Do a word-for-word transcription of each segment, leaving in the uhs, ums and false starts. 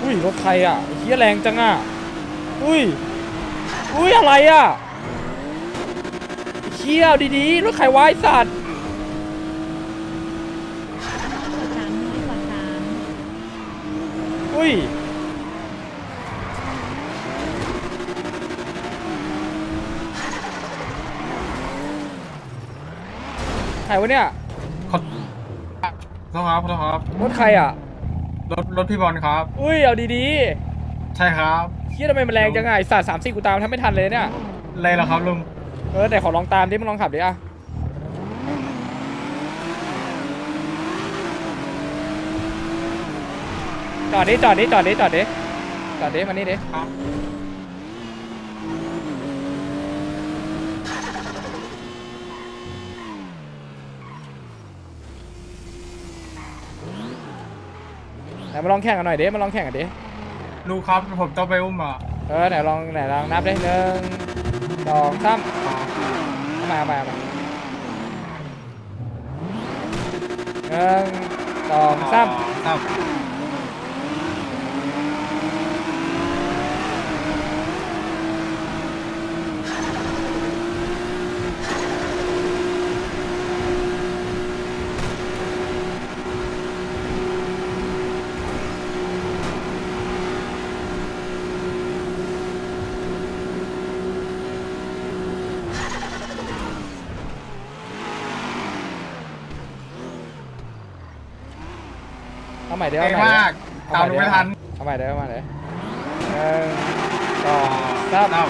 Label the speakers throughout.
Speaker 1: อุ้ยรถใครอ่ะเฮียแรงจังอ่ะอุ้ยอุ้ยอะไรอ่ะเฮียดีๆรถใครวายสัตว์
Speaker 2: สามน้อยกว่าสาม
Speaker 1: อุ้ยใครวะเนี่ย
Speaker 3: ขอโทษครับขอโทษครับ
Speaker 1: รถใครอ่ะ
Speaker 3: รถรถพี่บอลครับ
Speaker 1: อุ้ยเอาดี
Speaker 3: ใช่ครับ
Speaker 1: ๆเฮียทำไมมันแรงจังไงสัตว์สามสี่กูตามแทบไม่ทันเลยเนี่ย
Speaker 3: เลยเหรอครับลุง
Speaker 1: เออแต่ขอลองตามดิมึงลองขับดิอ่ะจอดดิจอดดิจอดดิจอดดิจอดดิมานี่ดิ
Speaker 3: ครับ
Speaker 1: ไหนมาลองแข่งกันหน่อยดิมาลองแข่งกันดิ
Speaker 3: ลุงครับผมต้องไปอุ้มอ่ะ
Speaker 1: เออไหนลองไหนลองนับได้หนึ่งสองสามเอามาเอามาเอามาหนึ่งสองสาม
Speaker 3: ครับ
Speaker 1: เอาใหม่เดี๋ยว
Speaker 3: เก่
Speaker 1: เอา
Speaker 3: ง
Speaker 1: ใหม่
Speaker 3: มากตามลุงไม่ทัน
Speaker 1: เอาใหม่เดี๋ยวเอาใหม่เดี๋ยวหนึ่งสองสาม
Speaker 3: ครับ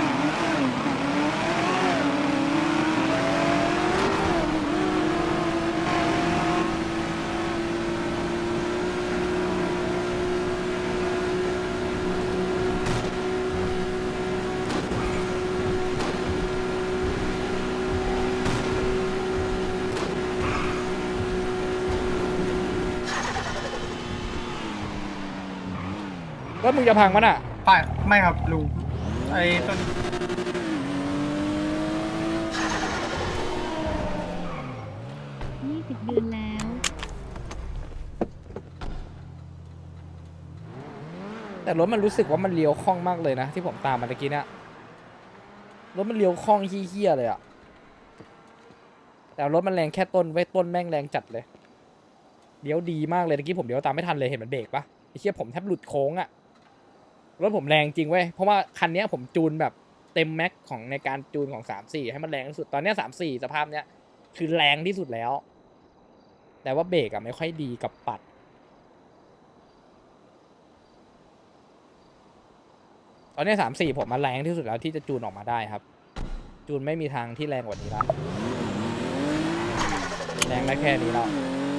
Speaker 1: รถมึงจะพังมั้ยน่ะ
Speaker 3: ไปไม่ครับลุงไอ้ต้น
Speaker 2: ยี่สิบเดือนแล้ว
Speaker 1: แต่รถมันรู้สึกว่ามันเลี้ยวคล่องมากเลยนะที่ผมตามมาเมื่อกี้เนี่ยรถมันเลี้ยวคล่องเฮี้ยๆเลยอะแต่รถมันแรงแค่ต้นไว้ต้นแม่งแรงจัดเลยเลี้ยวดีมากเลยเมื่อกี้ผมเลี้ยวตามไม่ทันเลยเห็นมันเบรกปะไอ้เหี้ยผมแทบหลุดโค้งอะรถผมแรงจริงเว้ยเพราะว่าคันนี้ผมจูนแบบเต็มแม็กของในการจูนของสามสี่ให้มันแรงที่สุดตอนนี้สามสี่สภาพเนี้ยคือแรงที่สุดแล้วแต่ว่าเบรกอะไม่ค่อยดีกับปัดตอนนี้สามสี่ผมมาแรงที่สุดแล้วที่จะจูนออกมาได้ครับจูนไม่มีทางที่แรงกว่านี้แล้วแรงได้แค่นี้แล้ว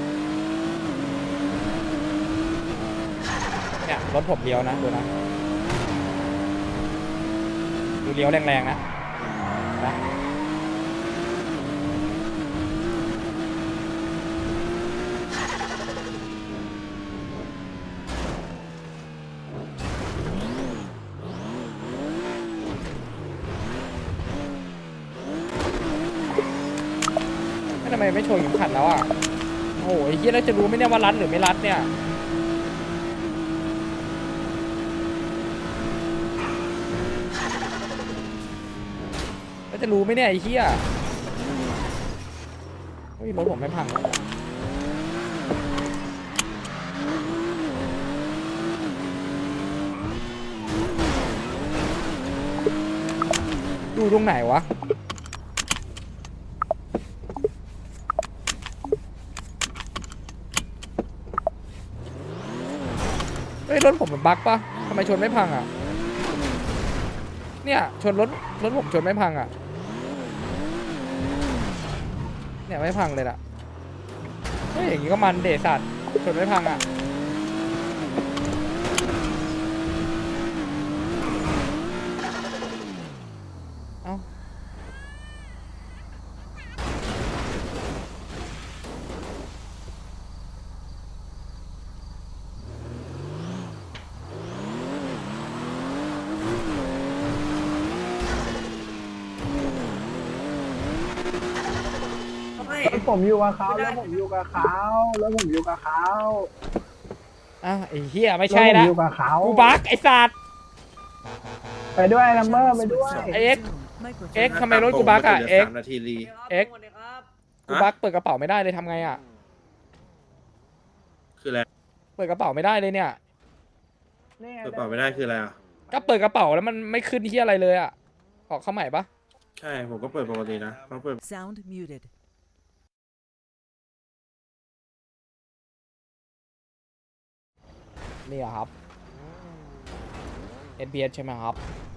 Speaker 1: เนี่ยรถผมเลี้ยวนะดูนะดูเลี้ยวแรงๆนะนะทำไมไม่โชว์เข็มขัดแล้วอ่ะโอ้ยเฮียแล้วจะรู้ไหมเนี่ยว่ารัดหรือไม่รัดเนี่ยแล้วจะรู้ไหมเนี่ยไอ้เฮียเฮ้ยรถผมไม่พังเลยดูตรงไหนวะเฮ้ยรถผมมันบั๊กปะทำไมชนไม่พังอ่ะเนี่ยชนรถรถผมชนไม่พังอ่ะเนี่ยไม่พังเลยล่ะเฮ้ยอย่างงี้ก็มันเดสัตว์ชนไม่พังอ่ะเอ้า
Speaker 4: แล้วผมอยู่กับเขาแล้วผมอยู่กับเขาแล้วผมอยู่กับเขา
Speaker 1: อ้าวไอ้เหี้ยไม่ใช่ละ
Speaker 4: รถผมอยู่กับเขา
Speaker 1: กูบักไอ้สัตว์
Speaker 4: ไปด้วยลัมเบอร์ไปด้วย
Speaker 1: ไอ้เอ็กซ์เอ็กซ์ทำไมรถกูบักอะเอ็กซ์
Speaker 5: สามนาทีรี
Speaker 1: เอ็กซ์กูบักเปิดกระเป๋าไม่ได้เลยทำไงอะ
Speaker 5: คืออะไร
Speaker 1: เปิดกระเป๋าไม่ได้เลยเนี่ย
Speaker 5: เปิดเปล่าไม่ได้คืออะไรอ่ะ
Speaker 1: ก็เปิดกระเป๋าแล้วมันไม่ขึ้นที่อะไรเลยอะขอเข้าใหม่ปะ
Speaker 5: ใช่ผมก็เปิดปกตินะเขาเปิด
Speaker 6: Sound muted.
Speaker 1: นี่อะครับ เอส บี เอส ใช่ไหมครับ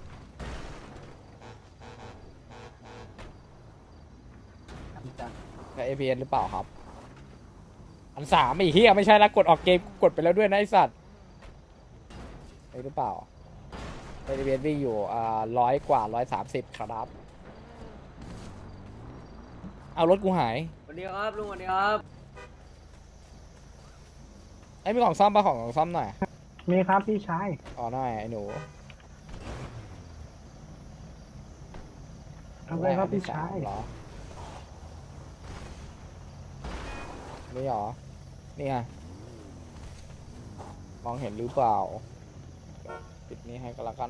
Speaker 1: ใช่ เอส บี เอส หรือเปล่าครับ อันสามไอ้เหี้ยไม่ใช่ละกดออกเกมกดไปแล้วด้วยนะไอ้สัตว์ใช่หรือเปล่า เอส บี เอส วิ่งอยู่อ่าร้อยกว่าร้อยสามสิบครับ เอารถกูหาย
Speaker 7: สวัสดีครับลุงสวัสดีครับ
Speaker 1: ไอ้มีของซ่อมปะของของซ่อมหน่อย
Speaker 4: มีครับพี่ชาย
Speaker 1: อ๋อหน่อยไอ้หนู
Speaker 4: ทำไรครับพี่ชาย
Speaker 1: เหรอนี่เหรอ นี่ไงมองเห็นหรือเปล่า ปิดนี้ให้ก็แล้วกัน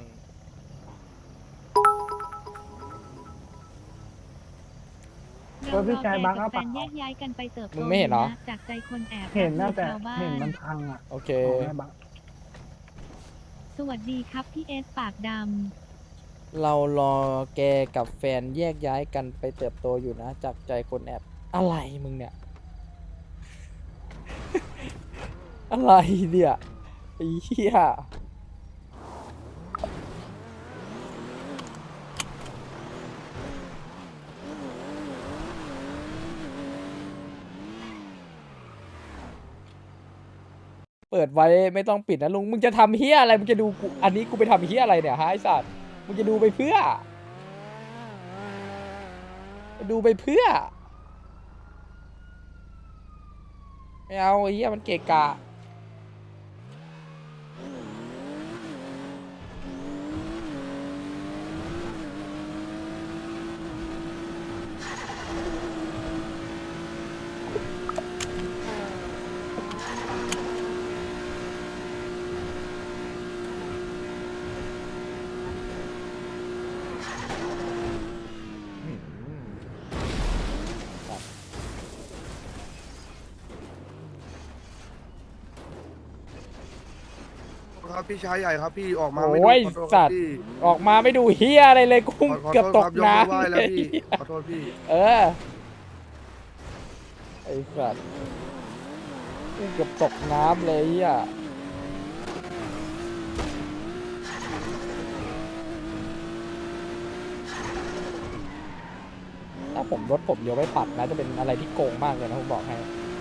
Speaker 4: เออพี่ชายบัง
Speaker 2: กั
Speaker 4: เอา
Speaker 2: บแฟ
Speaker 4: ปะ
Speaker 2: นแยกย้ายกันไปเติบโต
Speaker 1: มึงไม่เห็นเหรอ
Speaker 2: ะจากใจคนแอบ
Speaker 4: เห็นนะแต่
Speaker 2: ชาวบ้า
Speaker 4: เห็นมันพังอ่ะ
Speaker 1: โอเค
Speaker 4: เอาให้บัง
Speaker 2: สวัสดีครับพี่เอสปากด
Speaker 1: เรารอแกกับแฟนแยกย้ายกันไปเติบโตอยู่นะ จากใจคนแอบ อะไรมึงเนี่ย อะไรเนี่ยไอ้เหี้ยเปิดไว้ไม่ต้องปิดนะลุง มึงจะทำเฮี้ยอะไร มึงจะดูกู อันนี้กูไปทำเฮี้ยอะไรเนี่ยฮะไอ้สัตว์ มึงจะดูไปเพื่อ ดูไปเพื่อ ไม่เอาไอ้เหี้ยมันเกะกะ
Speaker 8: ครับพี่ชายใหญ่ครับพี่ออกมาไม่
Speaker 1: โอ้
Speaker 8: ดู
Speaker 1: ย
Speaker 8: ขอโทษค
Speaker 1: สั
Speaker 8: รั
Speaker 1: ต
Speaker 8: บ
Speaker 1: ว์
Speaker 8: พี่
Speaker 1: ออกมาไม่ดูเฮียอะไรเลยกุ้ง
Speaker 8: ขอขอ
Speaker 1: เกือบ
Speaker 8: โทษ
Speaker 1: ต
Speaker 8: ค
Speaker 1: ก
Speaker 8: รับยกมือไหว้
Speaker 1: น้ำ
Speaker 8: แล้ว
Speaker 1: เลย
Speaker 8: พี่ขอโทษพี่
Speaker 1: เออ ไอ้สัตว์กุ้งเกือบตกน้ำเลยเฮียถ้าผมรถผมเลี้ยวไม่ปัดนะจะเป็นอะไรที่โกงมากเลยนะผมบอกให้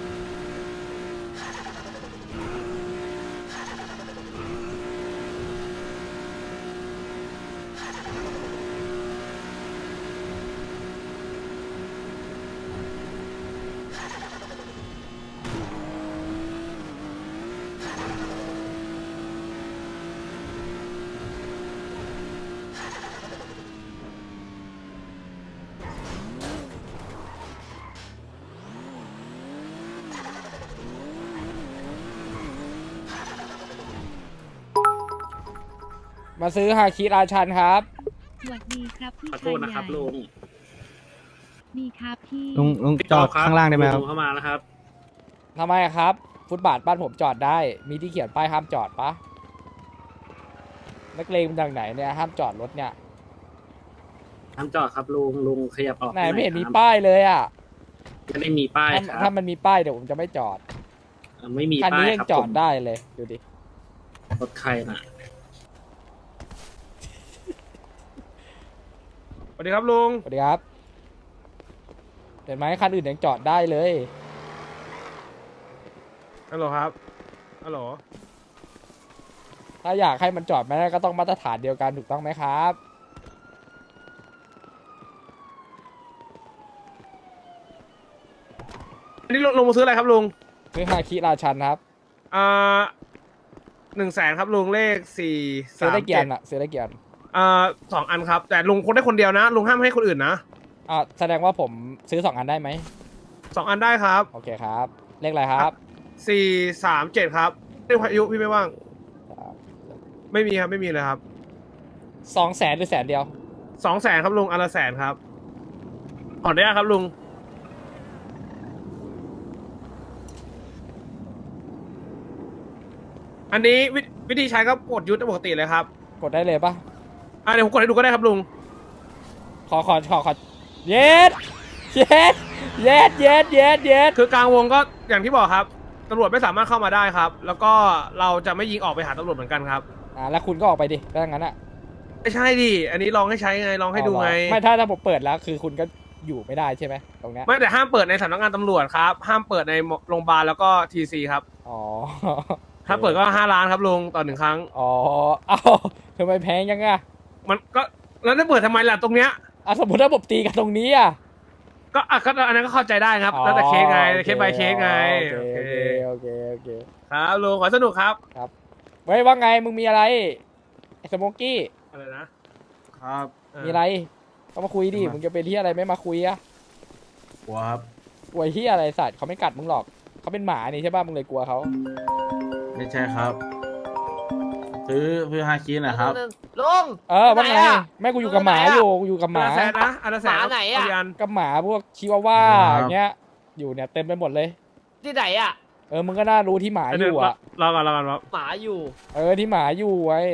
Speaker 1: มาซื้อฮาคิราชันครับ
Speaker 2: ำสวัสดีครับพี่
Speaker 9: ขอ
Speaker 2: ชา
Speaker 9: โท
Speaker 2: ย
Speaker 9: ษ
Speaker 2: ให
Speaker 9: นะครับ
Speaker 2: ญ่
Speaker 9: ลุง
Speaker 2: นี่ครับพี่
Speaker 4: ลุงลุงจอดข้างล่างได้ไหมครับ
Speaker 9: ลุเข้ามาแล้วครับ
Speaker 1: ทำไมอะครับ ฟุตบาทบ้านผมจอดได้ มีที่เขียนป้ายห้ามจอดปะนักเลงมันจากไหนเนี่ยห้ามจอดรถเนี่ย
Speaker 9: ทำจอดครับลุงลุงขยับออก
Speaker 1: ไหนไม่เห็นมี
Speaker 9: ครับ
Speaker 1: ป้ายเลยอ่ะ
Speaker 9: ไม่ได้มีป้าย
Speaker 1: ถ้า
Speaker 9: ค
Speaker 1: ถ้า
Speaker 9: รับ
Speaker 1: มันมีป้ายเดี๋ยวผมจะไม่จอด
Speaker 9: ไม่มี
Speaker 1: คัน
Speaker 9: ป้า
Speaker 1: นี้
Speaker 9: ย
Speaker 1: ยัง
Speaker 9: ครับ
Speaker 1: จอ
Speaker 9: ผ
Speaker 1: ด
Speaker 9: ม
Speaker 1: ได้เลยดูดิ
Speaker 9: รถใครน่ะ
Speaker 3: สวัสดีครับลุง
Speaker 1: สวัสดีครับ เห็นไหมคันอื่นยังจอดได้เลย
Speaker 3: ฮัลโหลครับฮัลโหล
Speaker 1: ถ้าอยากให้มันจอดไม่ได้ก็ต้องมาตรฐานเดียวกันถูกต้องไหมครับ
Speaker 3: อันนี้ลงมาซื้ออะไรครับลุง
Speaker 1: ซื้อฮาคิราชันครับ
Speaker 3: อ่าหนึ่งแสนครับลุงเลขสี่
Speaker 1: ซื้อ
Speaker 3: สาม
Speaker 1: ได้เกีย
Speaker 3: เจ็
Speaker 1: ร์
Speaker 3: ด
Speaker 1: อะซื้อได้เกียร์
Speaker 3: อ่าสองอันครับ แต่ลุงคนได้คนเดียวนะ ลุงห้ามให้คนอื่นนะ
Speaker 1: อ่าแสดงว่าผมซื้อสองอันได้ไหม
Speaker 3: สองอันได้ครับ
Speaker 1: โอเคครับ เลขอะไรครับ
Speaker 3: สี่สามเจ็ดครับเรื่องพายุพี่ไม่ว่าง ไม่มีครับไม่มีเลยครับ
Speaker 1: สองแสนหรือแสนเดียว
Speaker 3: สองแสนครับลุงอันละแสนครับขออนุญาตครับลุงอันนี้วิวิธีใช้ก็กดยุทธปกติเลยครับ
Speaker 1: กดได้เลยปะ
Speaker 3: อ่ะเดี๋ยวผมกดให้ดูก็ได้ครับลุง
Speaker 1: ขอขอขอขอเย็ดเย็ดเย็ดเย็ดเย็ดเย็ด
Speaker 3: คือกลางวงก็อย่างที่บอกครับตำรวจไม่สามารถเข้ามาได้ครับ แล้วก็เราจะไม่ยิงออกไปหาตำรวจเหมือนกันครับ
Speaker 1: อ่าแล้วคุณก็ออกไปดิถ้างั้นอ่ะ
Speaker 3: ไม่ใช่ดิอันนี้ลองให้ใช้ไงลองให้ดูไง
Speaker 1: ไม่ถ้าถ้าผมเปิดแล้วคือคุณก็อยู่ไม่ได้ใช่ไหมตรงเนี้ย
Speaker 3: ไม่แต่ห้ามเปิดในสำนักงานตำรวจครับ ห้ามเปิดในโรงพยาบาลแล้วก็ทีซีครับ
Speaker 1: อ๋อ
Speaker 3: ถ้าเปิดก็ห้าล้านครับลุงต่อหนึ่งครั้ง
Speaker 1: อ๋อเอ้าทำไมแพงยังอ่ะ
Speaker 3: มันก็แล้วจะเปิดทำไมล่ะตรงเนี้ย
Speaker 1: อ่ะสมมติถ้าผมตีกันตรงนี้อ่ะ
Speaker 3: ก็อ่ะก็อันนั้นก็เข้าใจได้ครับ แล้วแต่เคสไง
Speaker 1: อ๋อ
Speaker 3: เคส by เคสไง
Speaker 1: โอ
Speaker 3: โอ
Speaker 1: เค
Speaker 3: เค
Speaker 1: โอเคโอเค
Speaker 3: ครับลุงขอสนุกครับ
Speaker 1: เฮ้ยว่าไงมึงมีอะไรไอ้สโมกกี้
Speaker 3: อะไรนะ
Speaker 5: ครับ
Speaker 3: เออ
Speaker 1: มีอะไรก็มาคุยดิมึงจะเป็นที่อะไรไม่มาคุยอ่ะ
Speaker 5: กลัวครับ
Speaker 1: กลัวที่อะไรสัตว์เขาไม่กัดมึงหรอกเขาเป็นหมานี่ใช่ป่ะมึงเลยกลัวเขา
Speaker 5: ไม่ใช่ครับ ซื้อซื้อฮาคินะครับ
Speaker 6: ลุง
Speaker 1: เออว่าไง
Speaker 6: ไหนอะ
Speaker 1: แม่กูอยู่กับหมา
Speaker 6: ไหนอะ
Speaker 1: อยู่กูอยู่กับห
Speaker 3: อัน
Speaker 1: มา
Speaker 3: ละแสนนะอันละแสน
Speaker 6: หมาไหนอะ
Speaker 3: เากี่น
Speaker 1: กับหมาพวกชิวาว่า
Speaker 5: ครับ
Speaker 1: อย่างเงี้ยอยู่เนี่ยเต็มไปหมดเลย
Speaker 6: ที่ไหนอ่ะ
Speaker 1: เออมึงก็น่ารู้ที่หมา
Speaker 3: อัน
Speaker 1: อ
Speaker 3: นี้
Speaker 1: ยู่
Speaker 3: รอ
Speaker 1: อ่ะ
Speaker 3: รอก่อนรอก่อนครับ
Speaker 6: หมาอยู่
Speaker 1: เออที่หมาอยู่ไว้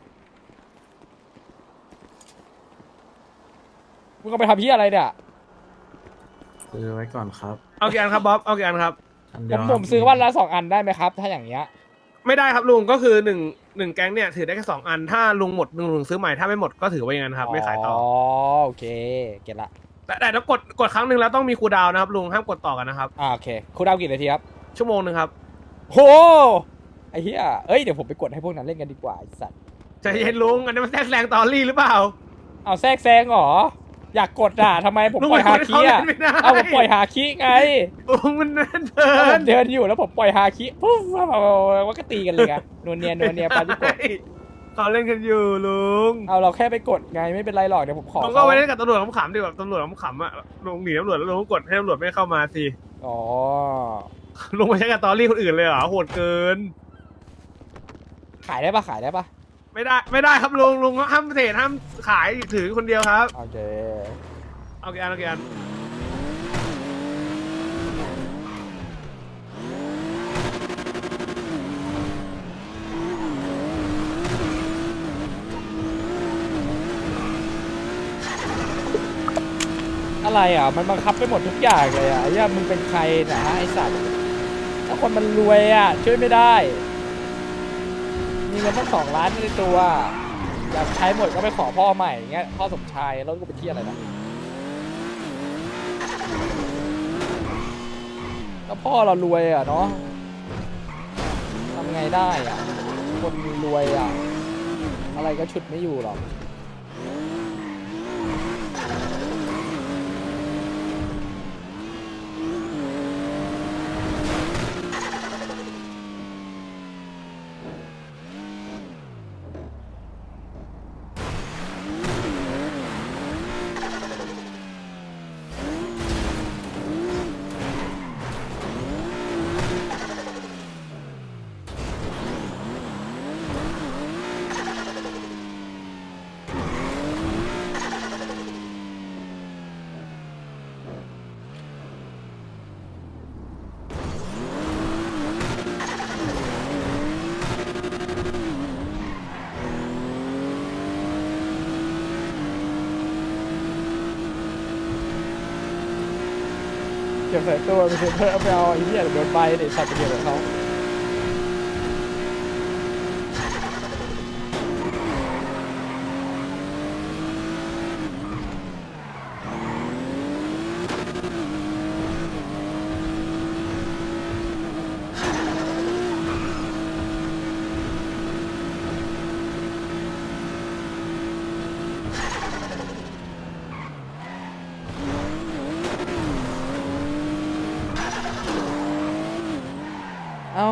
Speaker 1: มึงเอาไปทำที่อะไรเนี่ย
Speaker 5: ซื้อไว้ก่อนครับ
Speaker 3: เอากี่อันครับบ๊อบเอากี่อันครับ
Speaker 5: อัน
Speaker 1: ผ
Speaker 5: เดียว
Speaker 1: ม
Speaker 5: ครับ
Speaker 1: ผมซื้อวันละสองอันได้ไหมครับ ถ้าอย่างเงี้ย
Speaker 3: ไม่ได้ครับลุงก็คือหนึ่งหนึ่งแก๊งเนี่ยถือได้แค่สองอันถ้าลุงหมดลุงลุงซื้อใหม่ถ้าไม่หมดก็ถือไว้อย่างนั้นครับไม่ขายต่อ
Speaker 1: อ๋อโอเคเก็ตละ
Speaker 3: แต่แต่ต้องกดกดครั้งหนึ่งแล้วต้องมีคูลดาวน์นะครับลุงห้ามกดต่อกันนะครับ
Speaker 1: อ่าโอเคคุณเอากี่นาทีครับ
Speaker 3: ชั่วโมงหนึ่งครับ
Speaker 1: โหไอ้เหี้ยเอ้ยเดี๋ยวผมไปกดให้พวกนั้นเล่นกันดีกว่าไอ้สัตว์
Speaker 3: ใจเย็นลุงอันนี้มันแทรกแซงตอรี่หรือเปล่า
Speaker 1: เอาแทรกแซงเหรออยากกดอ่ะทำไมผม
Speaker 3: ลุง
Speaker 1: ปล่อยฮาคิอ่ะ
Speaker 3: มันเข้าเล่นไม่ได้
Speaker 1: เอาผมปล่อยฮาคิไง
Speaker 3: ลุงมันนั่นเดิ
Speaker 1: แล้วผ
Speaker 3: น
Speaker 1: มเดินอยู่แล้วผมปล่อยฮาคิปุ๊บว่าก็ตีกันเลยไงนวลเนียนวลเนียปาจิโกะ
Speaker 3: เขาเล่นกันอยู่ลุง
Speaker 1: เอาเราแค่ไปกดไงไม่เป็นไรหรอกเดี๋ยวผมขอ
Speaker 3: ลุงก็ไปเล่นกับตำรวจขำๆดีแบบตำรวจขำๆอ่ะลุงหนีตำรวจแล้วลุงก็กดให้ตำรวจไม่เข้ามาสิ
Speaker 1: อ๋อ
Speaker 3: ลุงไปใช้กับตอรี่คนอื่นเลยเหรอโหดเกิน
Speaker 1: ขายได้ปะขายได้ปะ
Speaker 3: ไม่ได้ไม่ได้ครับลุงลุงห้ามเทรดห้ามขายถือคนเดียวครับ
Speaker 1: โอเค
Speaker 3: เอากี่อันเอากี่อัน
Speaker 1: อะไรอ่ะมันบังคับไปหมดทุกอย่างเลยอ่ะไอ้เหี้ยมึงเป็นใครนะไอ้สัตว์ถ้าคนมันรวยอ่ะช่วยไม่ได้ มีเงินตั้งสองล้านในตัวอยากใช้หมดก็ไปขอพ่อใหม่อย่างเงี้ยพ่อสมชายแล้วก็ไปเที่ยวอะไรนะก็พ่อเรารวยอ่ะเนาะทำไงได้อ่ะคนรวยอ่ะอะไรก็ฉุดไม่อยู่หรอก เก็บใส่ตัวไปเถอะเอาไปเอาไอ้เหี้ยโดนใบเด็กสัตว์ไปเกี่ยวกับเขาเอา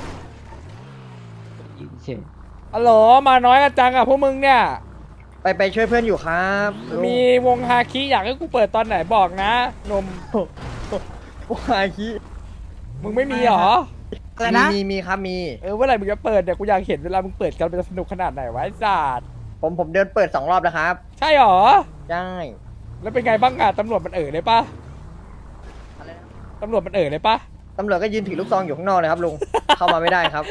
Speaker 1: อ๋อเหรอมาน้อยกันจังอ่ะพวกมึงเนี่ย
Speaker 4: ไปไปช่วยเพื่อนอยู่ครับลุง
Speaker 1: มีวงฮาคิอยากให้กูเปิดตอนไหนบอกนะนม
Speaker 4: วงฮาคิ
Speaker 1: มึงไม่มีเหรอ
Speaker 4: เอ
Speaker 6: อะไรนะ
Speaker 4: มีมีครับมี
Speaker 1: เออเมื่อไหร่มึงจะเปิดเนี่ยกูอยากเห็นเวลามึงเปิดกันเป็นสนุกขนาดไหนวะไอ้สัตว์
Speaker 4: ผมผมเดินเปิดสองรอบแล้วครับ
Speaker 1: ใช่หรอ
Speaker 4: ใช่
Speaker 1: แล้วเป็นไงบ้างอะตำรวจมันเอ่ยเลยปะ
Speaker 4: อะไรนะ
Speaker 1: ตำรวจมันเอ่ยเลยปะ
Speaker 4: ตำรวจก็ยืนถือลูกซองอยู่ข้างนอกเลยครับลุง เข้ามาไม่ได้ครับ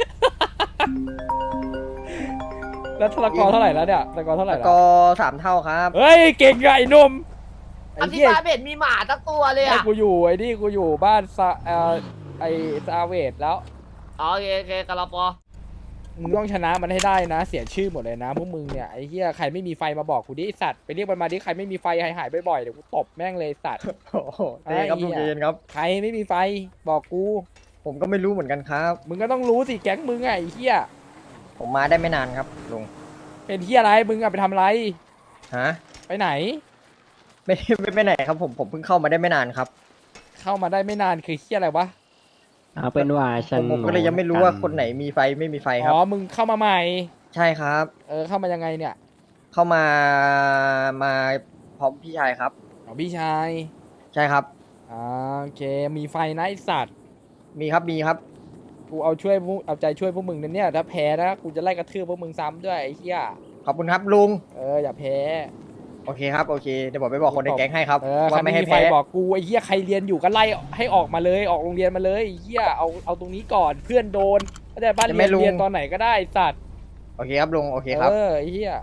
Speaker 1: แล้วทรกอเท่าไหร่แล้วเนี่ยทรกอเท่าไหร่
Speaker 4: แล้ว
Speaker 1: แล้ว
Speaker 4: ก็สามเท่าครับ
Speaker 1: เฮ้ยเก่งอะไอ้หนุ่มไอ้
Speaker 6: อธิ
Speaker 1: เหี้ย
Speaker 6: บายเบ็ดมีหมาตั้งตัวเลย
Speaker 1: ไอ้
Speaker 6: อ่ะ
Speaker 1: กูอยู่ไอ้นี่กูอยู่บ้านซาเอ่อไอ้ซาเวดแล้ว
Speaker 6: อ๋อโอเคโอเคกะลาปอ
Speaker 1: มึงต้องชนะมันให้ได้นะ เสียชื่อหมดเลยนะพวกมึงเนี่ยไอ้เหี้ยใครไม่มีไฟมาบอกกูดิไอ้สัตว์ไปเรียกมันมาดิใครไม่มีไฟหายหายๆบ่อยๆเดี๋ยวกูตบแม่งเลยไอ้สัตว์
Speaker 4: โอ้โหใจเย็นครับลุงใจเย็นครับ
Speaker 1: ใครไม่มีไฟบอกกู
Speaker 4: ผมก็ไม่รู้เหมือนกันครับ
Speaker 1: มึงก็ต้องรู้สิแก๊งมึงอะไอ้เหี้ย
Speaker 4: ผมมาได้ไม่นานครับลุง
Speaker 1: เป็นเหี้ยอะไรมึงอะไปทำอะไร
Speaker 4: ฮะ
Speaker 1: ไปไหน
Speaker 4: ไม่ไม่ไม่ไหนครับผมผมเพิ่งเข้ามาได้ไม่นานครับ
Speaker 1: เข้ามาได้ไม่นานคือเหี้ยอะไรวะ
Speaker 7: เอาเป็นว่าฉั
Speaker 4: ผ
Speaker 7: น
Speaker 4: มผมก็เลยยังไม่รู้ว่าคนไหนมีไฟไม่มีไฟครั
Speaker 1: อ๋
Speaker 4: บ
Speaker 1: อมึงเข้ามาใหม่
Speaker 4: ใช่ครับ
Speaker 1: เออเข้ามายังไงเนี่ย
Speaker 4: เข้ามามาพร้อมพี่ชายครับ
Speaker 1: อ๋อพี่ชาย
Speaker 4: ใช่ครับ
Speaker 1: อ่าโอเคมีไฟนะไอสัตว์
Speaker 4: มีครับมีครับ
Speaker 1: กูเอาช่วยพวกเอาใจช่วยพวกมึงนะเนี่ยถ้าแพ้นะกูจะไล่กระทืบพวกมึงซ้ำด้วยไอ้เหี้ย
Speaker 4: ขอบคุณครับลุง
Speaker 1: เอออย่าแพ้
Speaker 4: โอเคครับโอเคเดี๋ยวผมไปบอกคนในแก๊งให้ครับ
Speaker 1: เออใคร
Speaker 4: ว่าไม่
Speaker 1: ไม่
Speaker 4: ให้
Speaker 1: มีไฟ
Speaker 4: แพ้
Speaker 1: บอกกูไอ้เหี้ยใครเรียนอยู่ก็ไล่ให้ออกมาเลยออกโรงเรียนมาเลยไอ้เหี้ยเอาเอาตรงนี้ก่อนเพื่อนโดนก็ได้บ้านเรียนเรียนตอนไหนก็ได้ไอ้สัตว์
Speaker 4: โอเคครับลุงโอเคครับ
Speaker 1: เออไอ้เหี้ย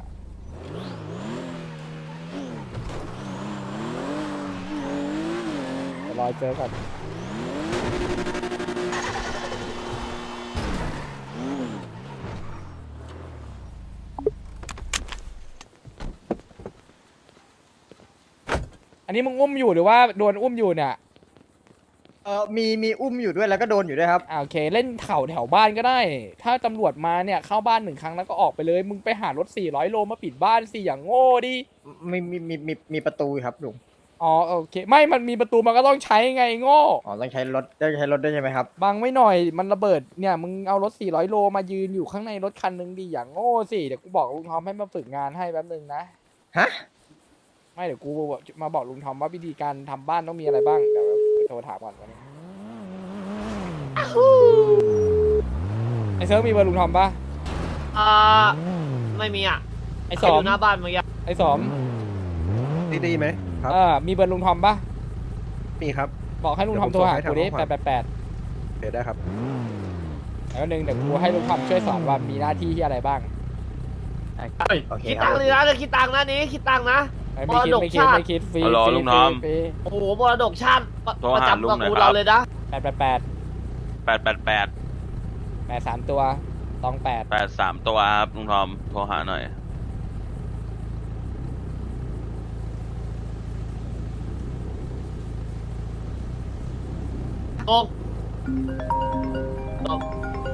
Speaker 1: เดี๋ยวรอเจอก่อนอันนี้มึงอุ้มอยู่หรือว่าโดนอุ้มอยู่เนี่ย
Speaker 4: เออมีมีอุ้มอยู่ด้วยแล้วก็โดนอยู่ด้วยครับ
Speaker 1: อ่าโอเคเล่นเข่าแถวบ้านก็ได้ ถ้าตำรวจมาเนี่ยเข้าบ้านหนึ่งครั้งแล้วก็ออกไปเลย มึงไปหารถสี่ร้อยโลมาปิดบ้านสิอย่างโง่ดิ
Speaker 4: มีมีมีมีมีประตูครับลุง
Speaker 1: อ๋อโอเค ไม่มันมีประตูมันก็ต้องใช้ไงโง่
Speaker 4: อ๋อต้องใช้รถต้องใช้รถด้วยใช่ไหมครับ
Speaker 1: บังไว้หน่อยมันระเบิดเนี่ยมึงเอารถสี่ร้อยโลมายืนอยู่ข้างในรถคันหนึงดิอย่างโง่สิเดี๋ยวกูบอกลุงทอมให้มาฝึกงานให้แป๊บนึงนะ
Speaker 4: ฮะ
Speaker 1: ไม่เดี๋ยวกูมาบอกลุงทอมว่าวิธีการทำบ้านต้องมีอะไรบ้างเดี๋ยวไปโทรถามก่อนวันนี้ไอเซิร์ฟมีเบอร์ลุงทอมปะ
Speaker 6: อ่าไม่มีอ่ะ
Speaker 1: ไอ
Speaker 6: ใค
Speaker 1: ส
Speaker 6: ร
Speaker 1: อ
Speaker 6: อ
Speaker 1: ม
Speaker 6: ยู่หน้าบ้านเมื่อกี้
Speaker 1: ไอสอม
Speaker 8: ดีดีไหมครับ
Speaker 1: เออมีเบอร์ลุงทอมปะ
Speaker 8: มีครับ
Speaker 1: บอกให้ลุงทอมโทรหากูดิแปดแปดแปด
Speaker 8: โอเคได้ครับ
Speaker 1: แล้วหนึ่งเดี๋ยวกูให้ลุงทอมช่วยสอนว่ามีหน้าที่ที่อะไรบ้าง
Speaker 4: โอเค
Speaker 6: คิด
Speaker 4: ครั
Speaker 6: ตั
Speaker 4: บ
Speaker 6: งค์เลยนะเดี๋ยวคิดตังค์นะนี้คิดตังค์นะ
Speaker 1: ไม่คิดไม่คิดไม่คิดฟรี
Speaker 5: ฮัลโหล
Speaker 1: ฟรี
Speaker 5: ลุงทอม
Speaker 1: ฟรี
Speaker 6: โอ้โหมรดกชาติประ
Speaker 5: โทร
Speaker 6: ประ
Speaker 5: หา
Speaker 6: จำ
Speaker 5: ลุ
Speaker 6: ต
Speaker 5: งหน่
Speaker 6: ระ
Speaker 5: อย
Speaker 6: กูล
Speaker 5: ครับ
Speaker 6: เราเลยนะ
Speaker 1: แปดแปดแปด
Speaker 5: แปดแปดแปด
Speaker 1: แปดสามตัวตองแปด
Speaker 5: แปดสามตัวครับลุงทอมโทรหาหน่อย
Speaker 6: ตกตก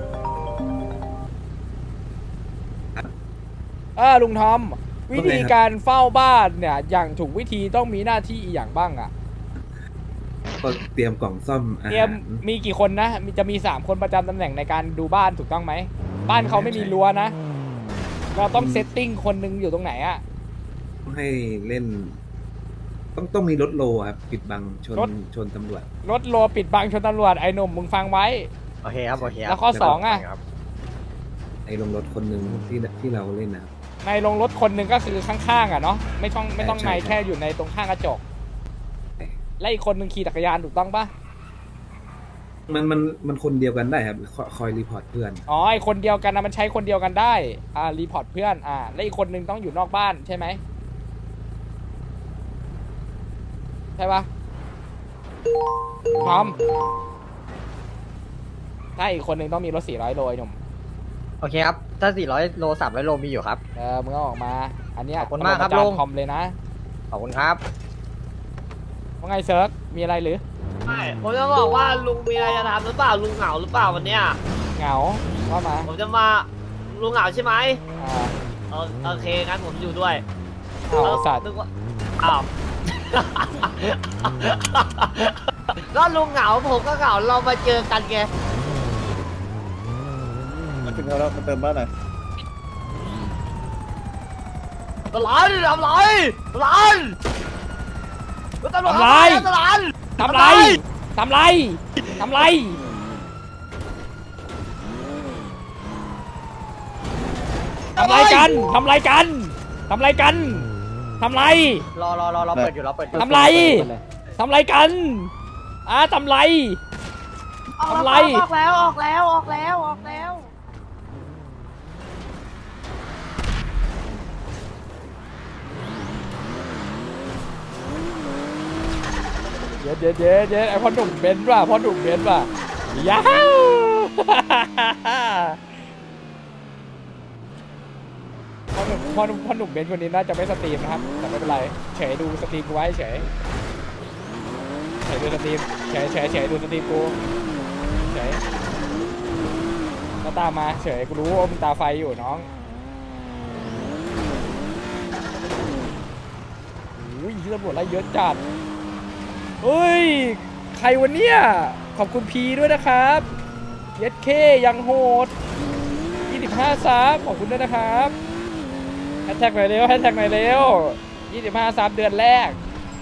Speaker 1: เออลุงทอม วิธีการเฝ้าบ้านเนี่ยอย่างถูกวิธีต้องมีหน้าที่อีกอย่างบ้างอะ
Speaker 10: ก็เตรียมกล่องซ่อมอา
Speaker 1: เตรีย
Speaker 10: หาม ร
Speaker 1: มีกี่คนนะมีจะมีสามคนประจำตำแหน่งในการดูบ้านถูกต้องไหมบ้านเขาไม่มีรั้วนะ เราต้องเซตติ้งคนหนึงอยู่ตรงไหนอะ
Speaker 10: ต้องให้เล่น ต้องต้องมีรถโลครับปิดบังชน
Speaker 1: รถ
Speaker 10: ชนตำรวจ
Speaker 1: รถโลปิดบังชนตำรวจไอ้หนุ่มมึงฟังไว้
Speaker 4: โอเคครับโอเคครับ
Speaker 1: แล้วข้อสองอะ
Speaker 4: ครับ
Speaker 10: ไอ้ลงรถคนหนึ่งที่ที่เราเล่นนะครับ
Speaker 1: ในลงรถคนหนึ่งก็คือข้างๆอ่ะเนาะไม่ต้องไม่ต้อง
Speaker 10: ใช่
Speaker 1: ใน
Speaker 10: ใช่
Speaker 1: แค่อยู่ในตรงข้างกระจก
Speaker 10: ใช่
Speaker 1: และอีกคนหนึ่งขี่จักรยานถูกต้องปะ
Speaker 10: มันมันมันคนเดียวกันได้ครับคอยคอยรีพอร์ตเพื่อน
Speaker 1: อ๋อไอคนเดียวกันนะมันใช้คนเดียวกันได้อ่ารีพอร์ตเพื่อนอ่าและอีกคนหนึ่งต้องอยู่นอกบ้านใช่ไหมใช่ปะพร้อมถ้าอีกคนหนึ่งต้องมีรถสี่ร้อยโลไอ้หนุ่ม
Speaker 4: โอเคครับถ้าสี่ร้อยโลสามร้อยโลมีอยู่ครับ
Speaker 1: เออมึงก็ออกมา อันเนี้ย
Speaker 4: ขอบคุณมากครับ
Speaker 1: ปะจน
Speaker 4: ลุง
Speaker 1: คอมเลยนะ
Speaker 4: ขอบคุณครับ
Speaker 1: ว่าไงเซิร์ฟมีอะไรหรือ
Speaker 6: ไม่ผมจะบอกว่าลุงมีอะไรจะทำหรือเปล่าลุงเหงาหรือเปล่าวันเนี้ย
Speaker 1: เหงาว่ามา
Speaker 6: ผมจะมาลุงเหงาใช่ไหม
Speaker 1: อ่า
Speaker 6: เออโอเคงั้นผมอยู่ด้วย
Speaker 1: เอาสัตว์
Speaker 6: นึกว่าอ้าว ก็ลุงเหงาผมก็เหงาเรามาเจอกันไง
Speaker 4: ถึงแล้วมาเติมบ้านหน่อย
Speaker 6: ตลาดทำไรตลาดตลาด
Speaker 1: ทำไร
Speaker 6: ตลาด
Speaker 1: ทำไรทำไรทำไรทำไรกันทำไรกันทำไรกันทำไร
Speaker 6: รอรอรอรอเปิดอยู่รอเปิดอยู่
Speaker 1: ทำไรทำไรกันอ่ะทำไรทำไร
Speaker 6: ออกแล้วออกแล้วออกแล้วออกแล้ว
Speaker 1: เย็ดเย็ดเย็ดเย็ดไอพ่อหนุ่มเบนซ์ว่ะพ่อหนุ่มเบนซ์ว่ะย้าว พ่อหนุ่มพ่อหนุ่มพ่อหนุ่มเบนซ์คนนี้น่าจะไม่สตรีมนะครับแต่ไม่เป็นไรเฉยดูสตรีมกูไว้เฉยเฉยดูสตรีมเฉยเฉยเฉยดูสตรีมกูเฉยก็ตามมาเฉยกูรู้ว่ามึงตาไฟอยู่น้องอุ้ยตำรวจไล่เยอะจัดเฮ้ยใครวันเนี้ยขอบคุณพีด้วยนะครับเย็ดเคยังโหดยี่สิบห้าซับขอบคุณด้วยนะครับแฮชแท็กหน่อยเร็วแฮชแท็กหน่อยเร็วยี่สิบห้าซับเดือนแรก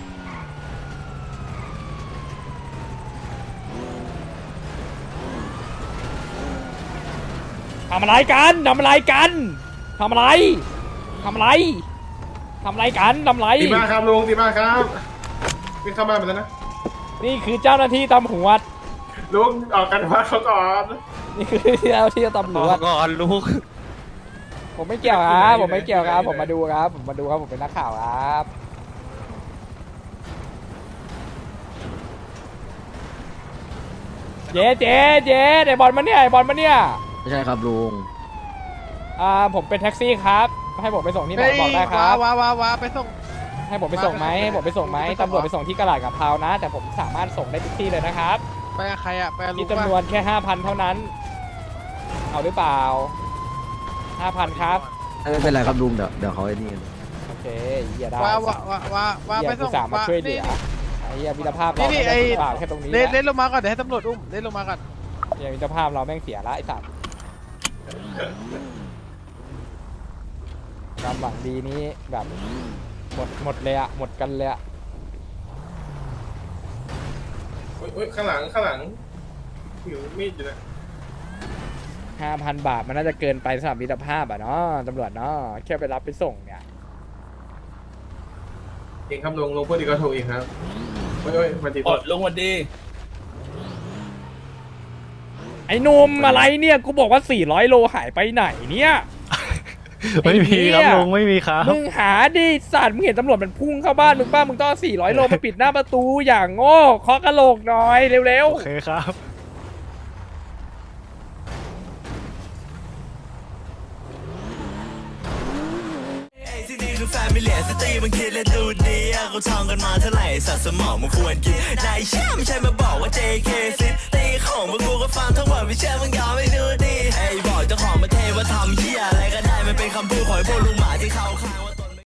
Speaker 1: ทำอะไรกันทำอะไรกันทำอะไรทำอะไรทำอะไรกันทำอะไร
Speaker 3: ดีมากครับลุงดีมากครับวิ่งเข้ามาไปแล้วนะ
Speaker 1: นี่คือเจ้าหน้าที่ตำรวจ
Speaker 3: ลุงออกกันวัดเขาก่อน
Speaker 1: นี่คือเจ้าหน้าที่ตำรวจ
Speaker 8: ก่อนลูก
Speaker 1: ผมไม่เกี่ยวครับผมไม่เกี่ยวครับผมมาดูครับผมมาดูครับผมเป็นนักข่าวครับเจ๊เจ๊เจ๊ไอบอลมาเนี่ยไอบอลมาเนี่ย
Speaker 7: ไม่ใช่ครับลุง
Speaker 1: อ่าผมเป็นแท็กซี่ครับให้ผมไปส่งที่ไหนบอกได้ครับ
Speaker 3: ว้าว้าว้าไปส่ง
Speaker 1: ให้ผมไปส่งไหมให้ผมไปส่งไหมตำรวจไปส่งที่กระดาษกับพาวนะ แต่ผมสามารถส่งได้ทุกที่เลยนะครับ
Speaker 3: ไปกับใครอ่ะไปกับลุ
Speaker 1: มี
Speaker 3: ง
Speaker 1: จำนวนแค่ห้าพันเท่านั้น เอาหรือเปล่าห้าพันครับ
Speaker 7: ไม่เป็นไรครับลุงเดี๋ยวเดี๋ยวเขาไอ้นี่กัน
Speaker 1: โอเคเหี้ยได้
Speaker 3: ว้าว้าว้าว้าว้า
Speaker 1: เหี้
Speaker 3: ไป
Speaker 1: ย
Speaker 3: ส่
Speaker 1: กู
Speaker 3: ง
Speaker 1: สามารถช่วยเหลือไอ้เหี้ยมิตรภาพเรา
Speaker 3: นี่นี่
Speaker 1: ไม่ได้
Speaker 3: ไอ้
Speaker 1: เปล่าแค่ตรงนี้
Speaker 3: เล่น
Speaker 1: แห
Speaker 3: เล่
Speaker 1: ละ
Speaker 3: นลงมาก่อนเดี๋ยวให้ตำรวจอุ้มเล่นลงมาก่อน
Speaker 1: เหี้ยมิตรภาพเราแม่งเสียละไอ้สัตว์ความหวังดีนี้แบบหมดหมดเลยอะหมดกันเลยอะ
Speaker 3: อุ้ยข้างหลังข้างหลังหิวมีดอยู่นะ
Speaker 1: ห้าพันบาทมันน่าจะเกินไปสำหรับมิตรภาพอะเนาะตำรวจเนาะแค่ไปรับไปส่งเนี่ย
Speaker 3: เองครับลุงลุงพูดดีก็ถูกเองครับโอ้ยโอ้ยมาดี
Speaker 5: อดลงวันดี
Speaker 1: ไอ้หนุ่มอะไรเนี่ยกูบอกว่าสี่ร้อยโลหายไปไหนเนี่ย
Speaker 8: ไม่มีครับลุงไม่มีครับ
Speaker 1: มึงหาดิสัตว์มึงเห็นตำรวจมันพุ่งเข้าบ้านมึงป้ามึงต้องเอาสี่ร้อยโลมาปิดหน้าประตูอย่างโง่เคาะกระโหลกหน่อยเร็ว
Speaker 8: โอเคครับ
Speaker 11: ที่นี่คือแฟมิเลียสตรีมันคิดและดูดีอะเขาท่องกันมาเท่าไหร่สัตว์สมองมันควรกินนายเชื่อไม่ใช่มาบอกว่า เจ เค ซิตีของพวกกูก็ฟังทั้งหมดไม่เชื่อมึงยอมไม่ดูดีไอ้บอกเจ้าของมาเทว่าทำเหี้ยอะไรก็ได้มันเป็นคำพูดของไอ้พวกลุงหมาที่เขาข้าง